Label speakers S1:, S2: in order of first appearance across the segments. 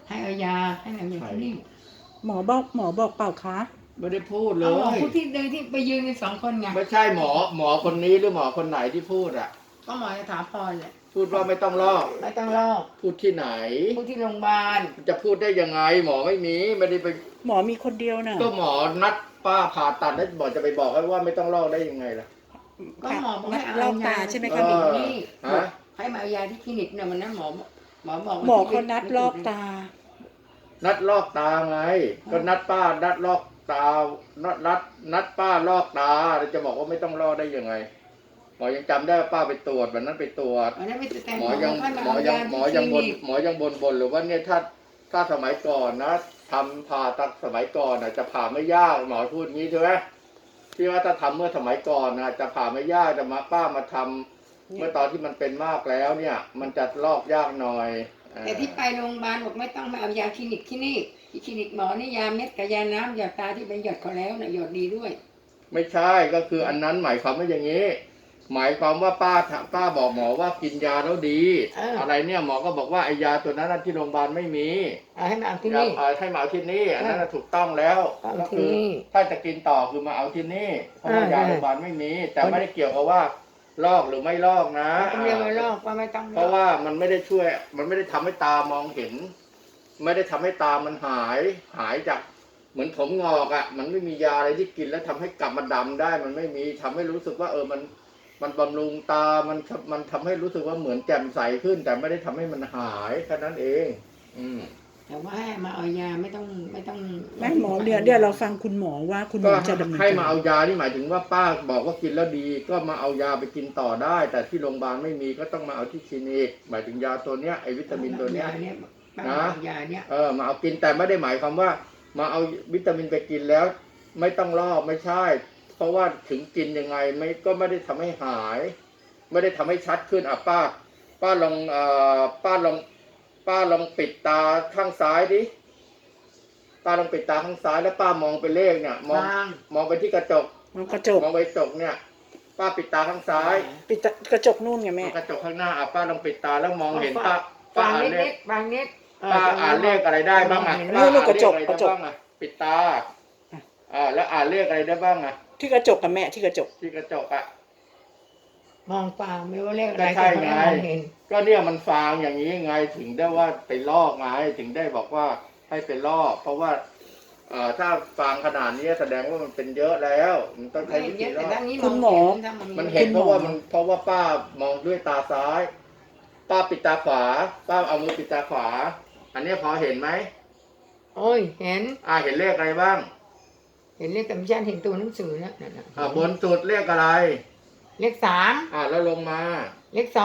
S1: ให้เอายาให้เอายาที่นี่
S2: หมอบอกเปล่าคะ
S3: ไม่ได้พูดเล
S1: เอาหมอย ผู้ที่เดินที่ไปยืนกัน2 คนไง
S3: ไม่ใช่หมอคนนี้หรือหมอคนไหนที่พูดอ่ะ
S1: ก็หมอสถาพรแหละ
S3: พูดว่าไม่ต้องลอก
S1: ไม่ต้องลอก
S3: พูดที่ไหน
S1: ผู้ที่โรงพยาบาล
S3: จะพูดได้ยังไง หมอไม่มีไม่ได้ไป
S2: หมอมีคนเดียวน่ะ
S3: ก็หมอนัดป้าผ่าตัดแล้วหมอจะไปบอกให้ว่าไม่ต้องลอกได้ยังไงล่ะ
S1: ก็หมอบอกให้เอา
S2: ลอก
S1: ยา
S2: ตาใช่ไหม
S1: ค
S2: คะ
S1: ลินิกนี่
S3: ฮะ
S1: ให้มาเอายาที่คลินิกเนี่ยวันนั้นหมอบอก
S2: หมอเขานัดลอกตา
S3: นัดลอกตาไง ก็นัดป้านัดลอกตานัดป้าลอกตาแล้วจะบอกว่าไม่ต้องลอกได้ยังไง หมอยังจำได้ว่าป้าไปตรวจวันนั้นไปตรวจ
S1: วันนั้นไม่แต่
S3: หมอยัง
S1: ให้มา
S3: หมอ
S1: เอา
S3: ยั
S1: ยาง ที่
S3: หมอ
S1: ค
S3: ยั
S1: ลิ
S3: งบ
S1: นิ
S3: น
S1: ก
S3: หมอยังบนหรือว่าเนี่ยถ้าสมัยก่อนนะทำผ่าตัดสมัยก่อนนะจะผ่าไม่ยากหมอพูดงี้ใช่ไหมที่ว่าถ้าทำเมื่อสมัยก่อนนะจะผ่าไม่ยากจะมาป้ามาทำเมื่อตอนที่มันเป็นมากแล้วเนี่ย มันจะลอกยากหน่อย
S1: แต่ที่ไปโรงพยาบาลบอกไม่ต้องมาเอายาคลินิกที่นี่ที่คลินิกหมอนี่ยาเม็ดกับยาน้ำหยอดตาที่ไปหยอดเขาแล้วนะหยอดดีด้วย
S3: ไม่ใช่ก็คืออันนั้นหมายความว่าอย่างนี้ หมายความว่าป้าบอกหมอว่ากินยาแล้วดี อะไรเนี่ยหมอก็บอกว่าไอ้ยาตัวนั้นที่โรงพยาบาลไม่มี
S1: เอาให้มาเอาที่
S3: ยา
S1: นี่
S3: ให้มาเอาที่นี่อันนั้นถูกต้องแล้ว
S1: เอา
S3: ก็
S1: ที่
S3: คือ
S1: นี่
S3: ถ้าจะกินต่อคือมาเอาที่นี่เพราะว่ายาโรงพยาบาลไม่มี แต่ไม่ได้เกี่ยวกับว่าลอกหรือไม่ลอกนะ
S1: ต้องเรียกว่าลอกว่าไม่ต้องล
S3: เพ
S1: อก
S3: ราะว่ามันไม่ได้ช่วย มันไม่ได้ทำให้ตามองเห็น ไม่ได้ทำให้ตามันหายจากเหมือนผมงอกอ่ะ มันไม่มียาอะไรที่กินแล้วทำให้กลับมาดำได้ มันไม่มีทำให้รู้สึกว่ามันบำรุงตา มันทำให้รู้สึกว่าเหมือนแจ่มใสขึ้น แต่ไม่ได้ทำให้มันหายแค่นั้นเอง
S1: แต่ว่าให้มาเอายาไม่ต้อง
S2: ไม่หมอเดี๋ยวเราฟังคุณหมอว่าคุณหม
S3: ก็
S2: อจะดำเนิน
S3: ให้
S2: การ
S3: มาเอายานี่หมายถึงว่าป้าบอกว่ากินแล้วดี ก็มาเอายาไปกินต่อได้ แต่ที่โรงพยาบาลไม่มีก็ต้องมาเอาที่คลินิกหมายถึงยาตัวเนี้ยไอวิตามินตัวเนี้ย
S1: นะยาเนี้ย
S3: มาเอากินแต่ไม่ได้หมายความว่า มาเอาวิตามินไปกินแล้ว ไม่ต้องลอกไม่ใช่ เพราะว่าถึงกินยังไงก็ไม่ได้ทำให้หาย ไม่ได้ทำให้ชัดขึ้นอ่ะป้าลองป้าลองปิดตาข้างซ้ายดิป้าลองปิดตาข้างซ้ายแล้วป้ามองไปเลขเนี่ยมองไปที่กระจก
S2: มองกระจก
S3: มองไปกระจกเนี่ย ป้าปิดตาข้างซ้าย
S2: ปิดกระจกนู่นไงแม่
S3: กระจกข้างหน้าอ่ะป้าลองปิดตาแล้วมองเห็นป้า
S1: บาง
S3: อ่าน
S1: นิ
S3: เลข
S1: ดบางนิด
S3: ป้าอ่านเลขอะไรได้บ้างอ่ะ
S2: นู่นกระจก
S3: ป้าอ่านเลขอะไรได้บ้างอ่ะปิดตาแล้วอ่านเลขอะไรได้บ้างอ่ะ
S2: ที่กระจกกับแม่ที่กระจก
S3: ที่กระจกอ่ะ
S1: มองเปล่าไม่ว่าเลขอะไร
S3: ก็ใช่ไง
S1: เห็น
S3: ก็เนี่ยมันฟางอย่างนี้ไงถึงได้ว่าไปลอกไงถึงได้บอกว่าให้ไปลอกเพราะว่าถ้าฟางขนาดนี้แสดงว่ามันเป็นเยอะแล้วมันต้องใช้วิธีลอก
S2: คุณหมอ
S3: มันเห็นเพราะว่าป้ามองด้วยตาซ้าย ป้าปิดตาขวา ป้าเอามือปิดตาขวา อันนี้พอเห็นไหม
S1: โอ้ยเห็น
S3: เห็นเลขอะไรบ้าง
S1: เห็นเลขแต่ไม่ใช่เห็นตัวหนังสือนะนั่นน่ะ
S3: บนสุดเลขอะไร
S1: เลข3
S3: แล้วลงมา
S1: เลข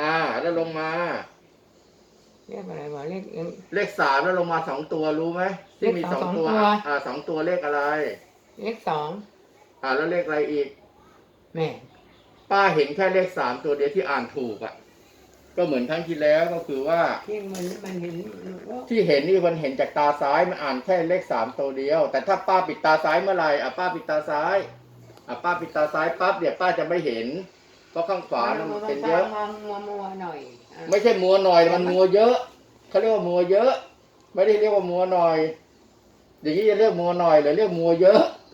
S1: 2
S3: แล้วลงมา
S1: เลขอะไรวะ
S3: เลข3แล้วลงมา2ตัวรู้ไหมที่มี2ตัว2ตัวเลขอะไร
S1: เลข2
S3: แล้วเลขอะไรอีก
S1: แม่
S3: ป้าเห็นแค่เลข3ตัวเดียวที่อ่านถูกอ่ะก็เหมือนครั้งที่แล้วก็คือว่า
S1: ที่มันเห็น
S3: ที่เห็นนี่มันเห็นจากตาซ้ายมันอ่านแค่เลข3ตัวเดียว แต่ถ้าป้าปิดตาซ้ายเมื่อไหร่ป้าปิดตาซ้ายป้าปิดตาซ้ายปั๊บเดี๋ยวป้าจะไม่เห็นเพราะข้างขวามันเป็นเยอะ
S1: มัวหน่อย
S3: ไม่ใช่มัวหน่อยมันมัวเยอะเขาเรียกว่ามัวเยอะ ไม่ได้เรียกว่ามัวหน่อยอย่างนี้จะเรียกมัวหน่อยหรือเรียกมัวเยอะ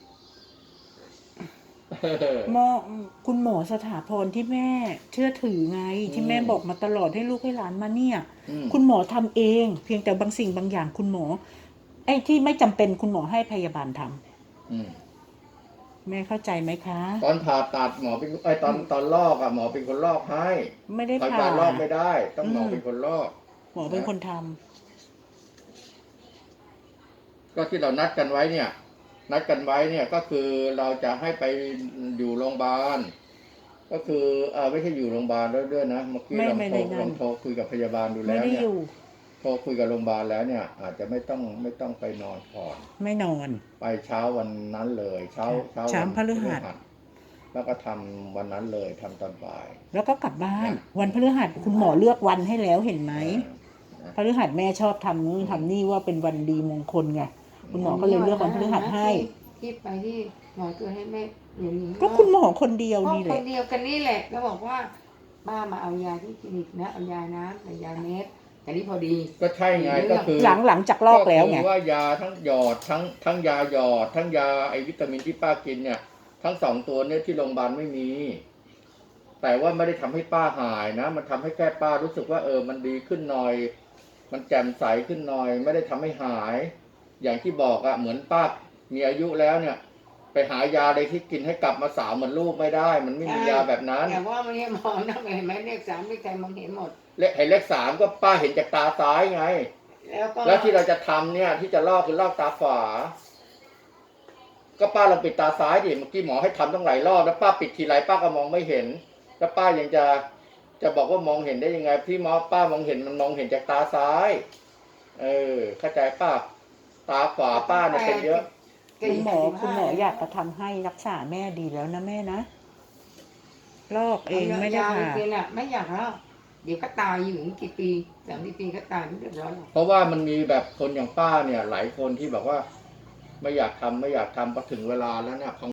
S2: คุณหมอสถาพรที่แม่เชื่อถือไงที่แม่บอกมาตลอดให้ลูกให้หลานมาเนี่ยคุณหมอทำเองเพียงแต่บางสิ่งบางอย่างคุณหมอไอ้ที่ไม่จำเป็นคุณหมอให้พยาบาลทำแม่เข้าใจไหมคะ
S3: ตอนผ่าตัดหมอเป็นตอนลอกหมอเป็นคนลอกให้
S2: ไม่ได้ผ่า
S3: ลอกไม่ได้ต้องหมอเป็นคนลอก
S2: หมอเป็นคนท
S3: ำก็ที่เรานัดกันไว้เนี่ยก็คือเราจะให้ไปอยู่โรงพยาบาลก็คือไม่ใช่อยู่โรงพยาบาลด้วยนะเมื่อกี้ลองโทรคุยกับพยาบาลดูแล้วเนี่ยโทรคุยกับโรงพยาบาลแล้วเนี่ยอาจจะไม่ต้องไปนอนก่อน
S2: ไม่นอน
S3: ไปเช้าวันนั้นเลยเช้า
S2: พฤหัส
S3: แล้วก็ทำวันนั้นเลยทำตอนบ่าย
S2: แล้วก็กลับบ้านวันพฤหัสคุณหมอเลือกวันให้แล้วเห็นไหมพฤหัสแม่ชอบทำนู่นทำนี่ว่าเป็นวันดีมงคลไงคุณหมอก็เลยเลือกวันพฤหัสให้
S1: ที่ไปที่หมอตัวให้แม่อย่างนี้
S2: ก็คุณหมอคนเดียวนี่แหละ
S1: คนเดียวกันนี่แหละก็บอกว่าป้ามาเอายาที่คลินิกนะเอายาน้ำเอายาเม็ดแต่นี่พอดี
S3: ก็ใช่ไงก็คือ
S2: หลังจากลอกแล้วไง
S3: ก็คือว่ายาทั้งหยอดทั้งยาหยอด ทั้งยาไอวิตามินที่ป้ากินเนี่ย ทั้ง2 ตัวเนี่ยที่โรงพยาบาลไม่มี แต่ว่าไม่ได้ทำให้ป้าหายนะ มันทำให้แค่ป้ารู้สึกว่ามันดีขึ้นหน่อย มันแจ่มใสขึ้นหน่อย ไม่ได้ทำให้หาย อย่างที่บอกอะเหมือนป้ามีอายุแล้วเนี่ย ไปหายาอะไรที่กินให้กลับมาสาวเหมือนลูกไม่ได้ มันไม่มียาแบบนั้น
S1: แต่ว่ามันเนี่ยมองนะเห็นไหมเลข 3เลขใครมองเห็นหมด
S3: เลข 3ก็ป้าเห็นจากตาซ้ายไง แล้วที่เราจะทำเนี่ยที่จะลอกคือลอกตาขวา ก็ป้าลองปิดตาซ้ายดิเมื่อกี้หมอให้ทำต้องหลายรอบแล้วป้าปิดทีไรป้าก็มองไม่เห็น แล้วป้ายังจะบอกว่ามองเห็นได้ยังไงพี่ป้ามองเห็นมันมองเห็นจากตาซ้าย เข้าใจป้าตาขวาป้าเนี่ยเป็นเยอะ
S2: คุณหมออยากจะทำให้รักษาแม่ดีแล้วนะแม่นะลอกเองไม่ได้
S1: ยาว
S2: ผ่า
S1: จริงๆน่ะไม่อยากแล้วเดี๋ยวก็ตายอยู่กี่ปี30 ปีก็ตายไม่เรียบร้อยหรอก
S3: เพราะว่ามันมีแบบคนอย่างป้าเนี่ย หลายคนที่บอกว่าไม่อยากทำพอถึงเวลาแล้วเนี่ย